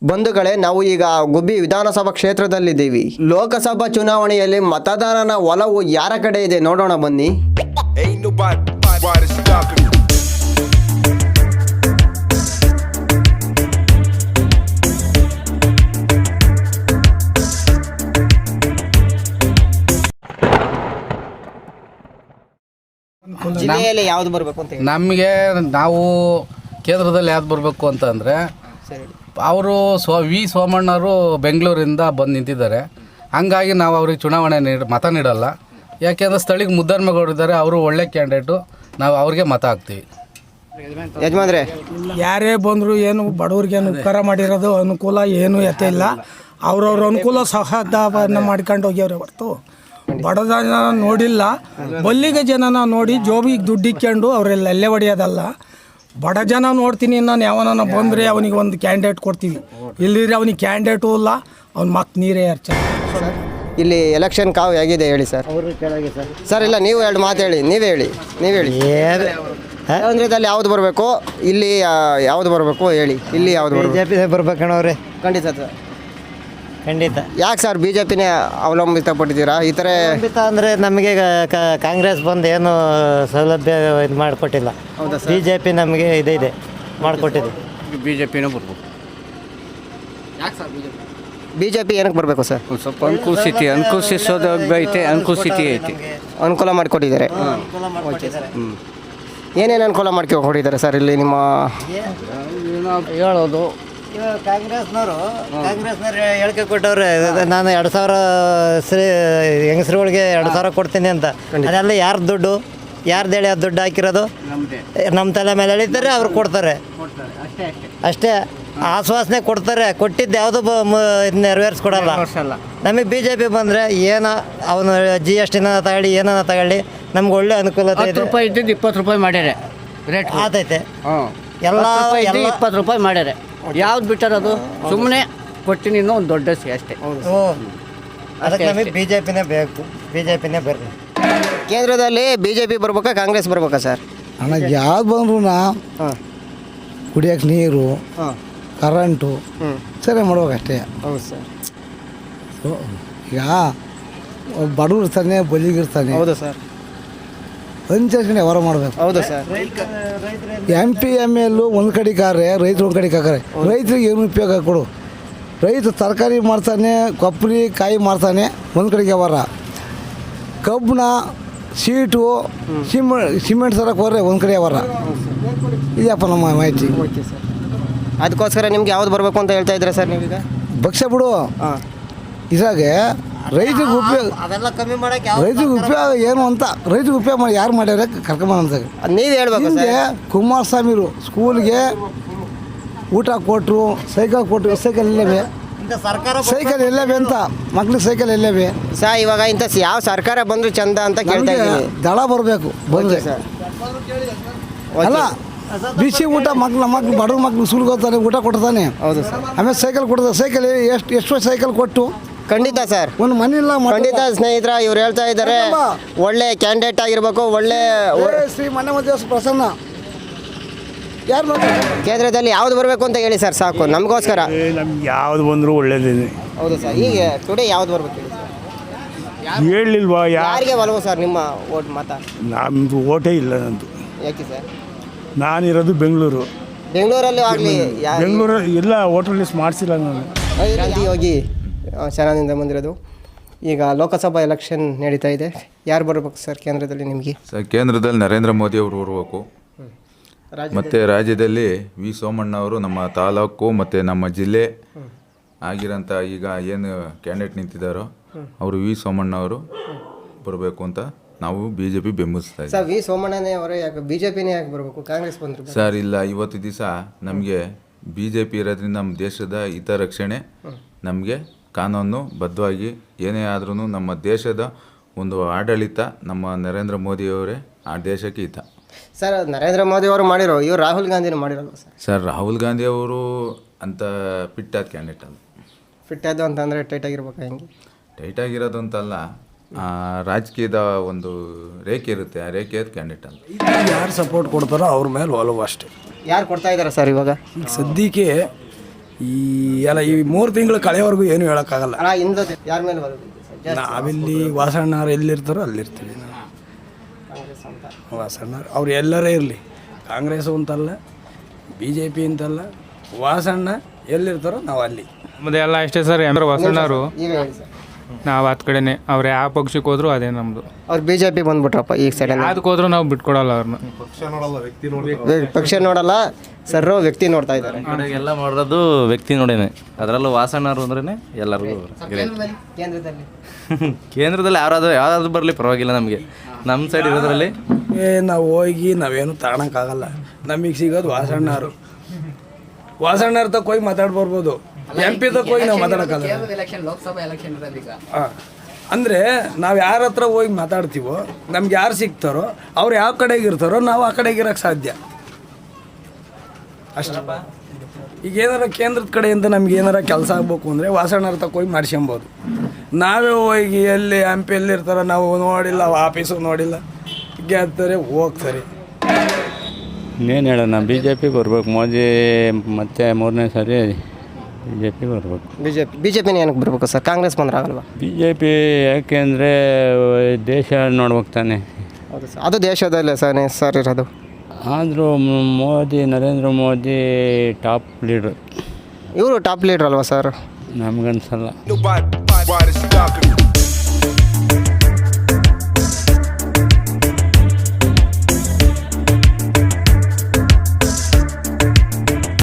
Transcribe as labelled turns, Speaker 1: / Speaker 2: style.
Speaker 1: ಬಂಧುಗಳೇ, ನಾವು ಈಗ ಗುಬ್ಬಿ ವಿಧಾನಸಭಾ ಕ್ಷೇತ್ರದಲ್ಲಿದ್ದೀವಿ. ಲೋಕಸಭಾ ಚುನಾವಣೆಯಲ್ಲಿ ಮತದಾರನ ಒಲವು ಯಾರ ಕಡೆ ಇದೆ ನೋಡೋಣ ಬನ್ನಿ. ಜಿಲ್ಲೆಯಲ್ಲಿ ಯಾವ್ದು ಬರಬೇಕು ಅಂತ
Speaker 2: ನಮಗೆ ನಾವು ಕೇಂದ್ರದಲ್ಲಿ ಯಾವ್ದು ಬರಬೇಕು ಅಂತಂದರೆ ಅವರು ವಿ ಸೋಮಣ್ಣವರು ಬೆಂಗಳೂರಿಂದ ಬಂದು ನಿಂತಿದ್ದಾರೆ. ಹಂಗಾಗಿ ನಾವು ಅವ್ರಿಗೆ ಚುನಾವಣೆ ಮತ ನೀಡಲ್ಲ. ಯಾಕೆಂದರೆ ಸ್ಥಳೀಯ ಮುದ್ದನ್ಮೇಗೌಡರಿದ್ದಾರೆ, ಅವರು ಒಳ್ಳೆ ಕ್ಯಾಂಡಿಡೇಟು, ನಾವು ಅವ್ರಿಗೆ ಮತ ಹಾಕ್ತೀವಿ.
Speaker 1: ಯಜಮಾನ್ರೆ,
Speaker 3: ಯಾರೇ ಬಂದರೂ ಏನು ಬಡವ್ರಿಗೇನು ಉಪಕಾರ ಮಾಡಿರೋದು ಅನುಕೂಲ ಏನೂ ಎತ್ತೆ ಇಲ್ಲ. ಅವ್ರವ್ರ ಅನುಕೂಲ ಸಹದಾನ ಮಾಡ್ಕೊಂಡು ಹೋಗ್ಯವ್ರೆ ಹೊರತು ಬಡ ಜನ ನೋಡಿಲ್ಲ. ಬಲ್ಲಿಗೆ ಜನನ ನೋಡಿ ಜೋಬಿಗೆ ದುಡ್ಡು ಇಕ್ಕೊಂಡು ಅವರೆಲ್ಲ ಎಲ್ಲೇ ಹೊಡೆಯೋದಲ್ಲ. ಬಡ ಜನ ನೋಡ್ತೀನಿ, ನಾನು ಯಾವನ ಬಂದರೆ ಅವನಿಗೆ ಒಂದು ಕ್ಯಾಂಡಿಡೇಟ್ ಕೊಡ್ತೀವಿ. ಇಲ್ಲಿದ್ರೆ ಅವನಿಗೆ ಕ್ಯಾಂಡಿಡೇಟು ಇಲ್ಲ, ಅವ್ನ ಮಕ್ ನೀರೇ ಹರ್ಚ.
Speaker 1: ಇಲ್ಲಿ ಎಲೆಕ್ಷನ್ ಕಾವು ಹೇಗಿದೆ ಹೇಳಿ ಸರ್. ಸರ್ ಇಲ್ಲ, ನೀವು ಎರಡು ಮಾತು ಹೇಳಿ, ನೀವೇ ಹೇಳಿ. ಕೇಂದ್ರದಲ್ಲಿ ಯಾವ್ದು ಬರಬೇಕು, ಇಲ್ಲಿ ಯಾವ್ದು ಬರಬೇಕು ಹೇಳಿ. ಇಲ್ಲಿ ಯಾವ್ದು
Speaker 4: BJP ಬರ್ಬೇಕಣ್ಣವ್ರೆ.
Speaker 1: ಖಂಡಿತ ಸರ್,
Speaker 4: ಖಂಡಿತ.
Speaker 1: ಯಾಕೆ ಸರ್ BJPನೇ ಅವಲಂಬಿತ ಪಟ್ಟಿದ್ದೀರಾ? ಈ ಥರ
Speaker 4: ಅಂದರೆ ನಮಗೆ ಕಾಂಗ್ರೆಸ್ ಬಂದು ಏನು ಸೌಲಭ್ಯ ಇದು ಮಾಡಿಕೊಟ್ಟಿಲ್ಲ. BJP ನಮಗೆ ಇದೆ ಮಾಡಿಕೊಟ್ಟಿದೆ.
Speaker 2: BJPನೂ ಬರ್ಬೇಕು.
Speaker 1: BJP ಏನಕ್ಕೆ ಬರಬೇಕು ಸರ್?
Speaker 2: ಸ್ವಲ್ಪ ಅನುಕೂಲಿಸೋದೈತೆ,
Speaker 1: ಅನುಕೂಲ ಮಾಡಿಕೊಟ್ಟಿದ್ದಾರೆ. ಏನೇನು ಅನುಕೂಲ ಮಾಡ್ಕೊಟ್ಟಿದ್ದಾರೆ ಸರ್ ಇಲ್ಲಿ ನಿಮ್ಮ
Speaker 2: ಹೇಳೋದು?
Speaker 4: ಕಾಂಗ್ರೆಸ್ನವರು ಹೇಳಿಕೆ ಕೊಟ್ಟವ್ರೆ, ನಾನು 2000 ಹೆಂಗಸ್ರುಗಳಿಗೆ 2000 ಕೊಡ್ತೀನಿ ಅಂತ. ಅದೆಲ್ಲ ಯಾರ ದುಡ್ಡು, ಯಾರ್ದು ಹೇಳಿ ಆ ದುಡ್ಡು ಹಾಕಿರೋದು? ನಮ್ಮ ತಲೆ ಮೇಲೆ ಎಳಿತಾರೆ, ಅವ್ರು ಕೊಡ್ತಾರೆ ಅಷ್ಟೇ. ಆಶ್ವಾಸನೆ ಕೊಡ್ತಾರೆ, ಕೊಟ್ಟಿದ್ದು ಯಾವುದು ನೆರವೇರಿಸ್ಕೊಡಲ್ಲ. ನಮಗೆ BJP ಬಂದರೆ ಏನೋ ಅವನು GSTನ ತಗೊಳ್ಳಿ, ಏನೋ ತಗೊಳ್ಳಿ, ನಮ್ಗೆ ಒಳ್ಳೆ ಅನುಕೂಲತೆ ಇದೆ.
Speaker 5: ರೂಪಾಯಿ ಇದ್ದಿದ್ದು 20 ರೂಪಾಯಿ ಮಾಡ್ಯಾರೆ, ರೇಟ್
Speaker 4: ಆತೈತೆ.
Speaker 5: ಎಲ್ಲ 20 ರೂಪಾಯಿ ಮಾಡ್ಯಾರೆ. ಯಾವ್ದು ಬಿಟ್ಟಾರದು? ಸುಮ್ಮನೆ ಕೊಟ್ಟಿನಿ ಇನ್ನೂ ಒಂದು ದೊಡ್ಡ ಅಷ್ಟೇ.
Speaker 4: ಅದಕ್ಕೆ ನಮಗೆ BJPನೇ ಬೇಕು, BJPನೇ ಬರಲಿ.
Speaker 1: ಕೇಂದ್ರದಲ್ಲಿ BJP ಬರ್ಬೇಕಾ ಕಾಂಗ್ರೆಸ್ ಬರ್ಬೇಕಾ ಸರ್?
Speaker 6: ನನಗೆ ಯಾವ್ದು ಬಂದ್ರು ಕುಡಿಯೋಕೆ ನೀರು, ಕರೆಂಟು ಸರಿ ಮಾಡ್ಬೇಕಷ್ಟೇ.
Speaker 1: ಹೌದು ಸರ್.
Speaker 6: ಈಗ ಬಡವ್ರು ಇರ್ತಾನೆ, ಬಲಿಗಿರ್ತಾನೆ.
Speaker 1: ಹೌದು ಸರ್.
Speaker 6: ಅನುಸರಿಸಿ ಹೊರ ಮಾಡಬೇಕು.
Speaker 1: ಹೌದು ಸರ್.
Speaker 6: MP ML ಒಂದು ಕಡೆಗೆ ಆದ್ರೆ ರೈತರು ಒಂದು ಕಡೆಗೆ ಹಾಕಾರೆ. ರೈತರಿಗೆ ಏನು ಉಪಯೋಗ ಕೊಡು? ರೈತ ತರಕಾರಿ ಮಾಡ್ತಾನೆ, ಕೊಬ್ಬರಿ ಕಾಯಿ ಮಾಡ್ತಾನೆ, ಒಂದು ಕಡೆಗೆ ಅವರ ಕಬ್ಬಣ ಸೀಟು ಸಿಮೆಂಟ್ ತರಕ್ಕೆ ಹೋದ್ರೆ ಒಂದು ಕಡೆ ಅವರ. ಇದೆಯಪ್ಪ ನಮ್ಮ ಮಾಹಿತಿ.
Speaker 1: ಅದಕ್ಕೋಸ್ಕರ ನಿಮ್ಗೆ ಯಾವ್ದು ಬರಬೇಕು ಅಂತ ಹೇಳ್ತಾ ಇದ್ದೀರಾ ಸರ್ ನೀವೀಗ?
Speaker 6: ಭಕ್ಷ್ಯ ಬಿಡು. ಇದ್ರಾಗೆ ರೈತರಿಗೆ ಉಪಯೋಗ, ರೈತರಿಗೆ ಉಪಯೋಗ ಏನು ಅಂತ, ರೈತರಿಗೆ ಉಪಯೋಗ ಮಾಡಿ ಯಾರು ಮಾಡ್ಯಾರ ಕರ್ಕೊಂಬಂತ
Speaker 1: ನೀವು ಹೇಳ್ಬೇಕು.
Speaker 6: ಕುಮಾರಸ್ವಾಮಿರು ಸ್ಕೂಲ್ಗೆ ಊಟ ಕೊಟ್ಟರು, ಸೈಕಲ್ ಕೊಟ್ಟರು. ಸೈಕಲ್ ಎಲ್ಲವೇ? ಸೈಕಲ್ ಎಲ್ಲವೇ ಅಂತ ಮಕ್ಳಿಗೆ ಸೈಕಲ್ ಎಲ್ಲವೇ
Speaker 1: ಸರ್? ಇವಾಗ ಇಂಥ ಯಾವ ಸರ್ಕಾರ ಬಂದರೂ ಚಂದ ಅಂತ ಕೇಳ್ತಾ ಇದ್ದೀನಿ.
Speaker 6: ದಳ ಬರಬೇಕು ಬಂದರೆ ಅಲ್ಲ. ಬಿಸಿ ಊಟ ಮಕ್ಳು ಬಡವ್ರ ಮಕ್ಳು ಸ್ಕೂಲ್ಗೆ ಹೋಗ್ತಾನೆ, ಊಟ ಕೊಡ್ತಾನೆ.
Speaker 1: ಹೌದು ಸರ್.
Speaker 6: ಆಮೇಲೆ ಸೈಕಲ್ ಕೊಡ್ತಾರೆ. ಸೈಕಲ್ ಎಷ್ಟು ಸೈಕಲ್ ಕೊಟ್ಟು
Speaker 1: ಖಂಡಿತ ಸರ್,
Speaker 6: ಒಂದು ಮನೆ ಇಲ್ಲ.
Speaker 1: ಖಂಡಿತ ಸ್ನೇಹಿತರ, ಇವ್ರು ಹೇಳ್ತಾ ಇದ್ದಾರೆ ಒಳ್ಳೆ ಕ್ಯಾಂಡಿಡೇಟ್ ಆಗಿರ್ಬೇಕು. ಒಳ್ಳೆ
Speaker 6: ಶ್ರೀ ಮನೆ ಮಧ್ಯ ಪ್ರಸನ್ನ ಯಾರು
Speaker 1: ಕೇಂದ್ರದಲ್ಲಿ ಯಾವ್ದು ಬರಬೇಕು ಅಂತ ಹೇಳಿ ಸರ್, ಸಾಕು ನಮಗೋಸ್ಕರ.
Speaker 7: ನಮ್ಗೆ ಯಾವ್ದು ಬಂದರೂ ಒಳ್ಳೇದೇನೆ.
Speaker 1: ಹೌದು ಸರ್. ಈಗ ಟುಡೇ ಯಾವ್ದು ಬರಬೇಕು
Speaker 7: ಹೇಳಿಲ್ವಾ?
Speaker 1: ಯಾರಿಗೆ ಒಲವು ಸರ್ ನಿಮ್ಮ ಓಟ್ ಮತ?
Speaker 7: ನಮ್ಮದು ಓಟೇ ಇಲ್ಲ ನಂದು.
Speaker 1: ಯಾಕೆ ಸರ್?
Speaker 7: ನಾನಿರೋದು ಬೆಂಗಳೂರು.
Speaker 1: ಬೆಂಗಳೂರಲ್ಲಿ ಆಗಲಿ,
Speaker 7: ಬೆಂಗಳೂರು ಎಲ್ಲ ಹೋಟೆಲ್ ಲಿಸ್ಟ್ ಮಾಡಿಸಿಲ್ಲ ನಾನು.
Speaker 1: ಯೋಗಿ ಚೆನ್ನಾಗಿಂದ ಬಂದಿರೋದು. ಈಗ ಲೋಕಸಭಾ ಎಲೆಕ್ಷನ್ ನಡೀತಾ ಇದೆ. ಯಾರು ಬರಬೇಕು ಸರ್ ಕೇಂದ್ರದಲ್ಲಿ ನಿಮಗೆ?
Speaker 8: ಸರ್, ಕೇಂದ್ರದಲ್ಲಿ ನರೇಂದ್ರ ಮೋದಿ ಅವರು ಬರಬೇಕು. ಮತ್ತು ರಾಜ್ಯದಲ್ಲಿ ವಿ ಸೋಮಣ್ಣ ಅವರು ನಮ್ಮ ತಾಲೂಕು ಮತ್ತು ನಮ್ಮ ಜಿಲ್ಲೆ ಆಗಿರೋಂಥ ಈಗ ಏನು ಕ್ಯಾಂಡಿಡೇಟ್ ನಿಂತಿದ್ದಾರೋ ಅವರು ವಿ ಸೋಮಣ್ಣ ಅವರು ಬರಬೇಕು ಅಂತ ನಾವು BJP ಬೆಂಬಲಿಸ್ತಾ ಇದ್ದೀವಿ.
Speaker 1: ಸರ್, ವಿ ಸೋಮಣ್ಣನೇ ಅವರೇ ಯಾಕೆ BJPನೇ ಯಾಕೆ ಬರಬೇಕು? ಕಾಂಗ್ರೆಸ್ ಬಂದರು
Speaker 8: ಸರ್. ಇಲ್ಲ, ಇವತ್ತು ದಿವಸ ನಮಗೆ BJP ಇರೋದ್ರಿಂದ ನಮ್ಮ ದೇಶದ ಹಿತರಕ್ಷಣೆ, ನಮಗೆ ಕಾನೂನು ಬದ್ಧವಾಗಿ ಏನೇ ಆದ್ರೂ ನಮ್ಮ ದೇಶದ ಒಂದು ಆಡಳಿತ ನಮ್ಮ ನರೇಂದ್ರ ಮೋದಿಯವರೇ ಆ ದೇಶಕ್ಕೆ ಹಿತ.
Speaker 1: ಸರ್, ನರೇಂದ್ರ ಮೋದಿ ಅವರು ಮಾಡಿರೋ, ಇವರು ರಾಹುಲ್ ಗಾಂಧಿನೂ ಮಾಡಿರಲ್ವ ಸರ್?
Speaker 8: ಸರ್, ರಾಹುಲ್ ಗಾಂಧಿ ಅವರು ಅಂತ ಫಿಟ್ಟಾದ ಕ್ಯಾಂಡಿಡೇಟ್ ಅಲ್ಲ.
Speaker 1: ಫಿಟ್ಟಾದ ಅಂತಂದರೆ ಟೈಟ್ ಆಗಿರ್ಬೇಕು. ಹೆಂಗೆ
Speaker 8: ಟೈಟ್ ಆಗಿರೋದು ಅಂತಲ್ಲ, ರಾಜಕೀಯದ ಒಂದು ರೇಖೆ ಇರುತ್ತೆ, ಆ ರೇಖೆಯ ಕ್ಯಾಂಡಿಡೇಟ್ ಅಲ್ಲ.
Speaker 3: ಯಾರು ಸಪೋರ್ಟ್ ಕೊಡ್ತಾರೋ ಅವ್ರ ಮೇಲೆ ಒಲವು ಅಷ್ಟೇ.
Speaker 1: ಯಾರು ಕೊಡ್ತಾ ಇದ್ದಾರೆ ಸರ್ ಇವಾಗ?
Speaker 3: ಈಗ ಸದ್ಯಕ್ಕೆ ಈ ಎಲ್ಲ ಈ 3 ತಿಂಗಳು ಕಳೆಯವರೆಗೂ ಏನು ಹೇಳೋಕ್ಕಾಗಲ್ಲ.
Speaker 1: ಅಣ್ಣ ಇಂದ ಯಾರ ಮೇಲೆ ಬರೋದು ಜಾಸ್ತಿ?
Speaker 3: ನಾವಿಲ್ಲಿ ವಾಸಣ್ಣವ್ರು ಎಲ್ಲಿರ್ತಾರೋ ಅಲ್ಲಿರ್ತೀವಿ ನಾವು. ವಾಸಣ್ಣವ್ರು ಅವ್ರು ಎಲ್ಲರೇ ಇರಲಿ, ಕಾಂಗ್ರೆಸ್ಸು ಅಂತಲ್ಲ, BJP ಅಂತಲ್ಲ, ವಾಸಣ್ಣ ಎಲ್ಲಿರ್ತಾರೋ ನಾವು ಅಲ್ಲಿ.
Speaker 9: ನಮ್ಮದು ಎಲ್ಲ ಅಷ್ಟೇ ಸರ್. ಅಂದ್ರೆ ವಾಸಣ್ಣವರು
Speaker 1: ಈಗ ಹೇಳಿ ಸರ್.
Speaker 9: ನಾವು ಹತ್ತು ಕಡೆನೇ, ಅವ್ರು ಯಾವ ಪಕ್ಷಕ್ಕೆ ಹೋದ್ರು ಅದೇ ನಮ್ಮದು.
Speaker 1: ಅವ್ರು BJP ಬಂದ್ಬಿಟ್ರಪ್ಪ ಈಗ ಸೈಡ್.
Speaker 9: ಅದಕ್ಕೆ ಹೋದ್ರೂ ನಾವು ಬಿಟ್ಕೊಡಲ್ಲ ಅವ್ರನ್ನ.
Speaker 1: ಪಕ್ಷ ನೋಡಲ್ಲ ಸರ್, ವ್ಯಕ್ತಿ ನೋಡ್ತಾ ಇದ್ದಾರೆ.
Speaker 10: ಎಲ್ಲ ಮಾಡೋದು ವ್ಯಕ್ತಿ ನೋಡೇನೆ, ಅದರಲ್ಲೂ ವಾಸಣ್ಣರು ಅಂದ್ರೇ ಎಲ್ಲರಿಗೂ
Speaker 1: ಕೇಂದ್ರದಲ್ಲಿ
Speaker 10: ಕೇಂದ್ರದಲ್ಲಿ ಯಾರಾದ್ರೂ ಬರಲಿ ಪರವಾಗಿಲ್ಲ ನಮಗೆ. ನಮ್ಮ ಸೈಡ್ ಇರೋದ್ರಲ್ಲಿ
Speaker 3: ನಾವು ಹೋಗಿ ನಾವೇನು ತಗೊಳಕ್ಕಾಗಲ್ಲ. ನಮಗೆ ಸಿಗೋದು ವಾಸಣ್ಣರು. ವಾಸಣ್ಣರ ತಕ್ಕ ಹೋಗಿ ಮಾತಾಡ್ಬರ್ಬೋದು, MP ತಕ್ಕ ಹೋಗಿ ನಾವು ಮಾತಾಡೋಕ್ಕಲ್ಲ. ಹಾಂ, ಅಂದರೆ ನಾವು ಯಾರ ಹತ್ರ ಹೋಗಿ ಮಾತಾಡ್ತೀವೋ, ನಮ್ಗೆ ಯಾರು ಸಿಗ್ತಾರೋ ಅವ್ರು ಯಾವ ಕಡೆಗೆ ಇರ್ತಾರೋ ನಾವು ಆ ಕಡೆಗೆ ಇರೋಕ್ಕೆ ಸಾಧ್ಯ ಅಷ್ಟೇ. ಈಗ ಏನಾರ ಕೇಂದ್ರದ ಕಡೆಯಿಂದ ನಮ್ಗೆ ಏನಾರ ಕೆಲಸ ಆಗ್ಬೇಕು ಅಂದರೆ ವಾಸಣ್ಣರ ತಕ್ಕ ಹೋಗಿ ಮಾಡ್ಸ್ಕೊಬೋದು. ನಾವೇ ಹೋಗಿ ಎಲ್ಲಿ MP ಎಲ್ಲಿರ್ತಾರೋ ನಾವು ನೋಡಿಲ್ಲ, ಆಫೀಸು ನೋಡಿಲ್ಲ, ಗೆದ್ದರೆ ಹೋಗ್ತಾರೆ.
Speaker 11: ಇನ್ನೇನು ಹೇಳೋಣ, BJP ಬರ್ಬೇಕು. ಮೋದಿ ಮತ್ತೆ 3ನೇ ಸಾರಿ BJP ಬರ್ಬೇಕು.
Speaker 1: BJP ಏನಕ್ಕೆ ಬರ್ಬೇಕು ಸರ್? ಕಾಂಗ್ರೆಸ್ ಬಂದ್ರೆ ಆಗಲ್ವಾ?
Speaker 11: BJP ಯಾಕೆಂದರೆ ದೇಶ ನೋಡ್ಬೇಕು ತಾನೆ.
Speaker 1: ಹೌದು ಸರ್, ಅದು ದೇಶದಲ್ಲೇ ಸರ್ ಇರೋದು.
Speaker 11: ಆದರೂ ಮೋದಿ, ನರೇಂದ್ರ ಮೋದಿ ಟಾಪ್ ಲೀಡ್ರ್.
Speaker 1: ಇವರು ಟಾಪ್ ಲೀಡರ್ ಅಲ್ವಾ ಸರ್?
Speaker 11: ನಮಗನ್ಸಲ್ಲ.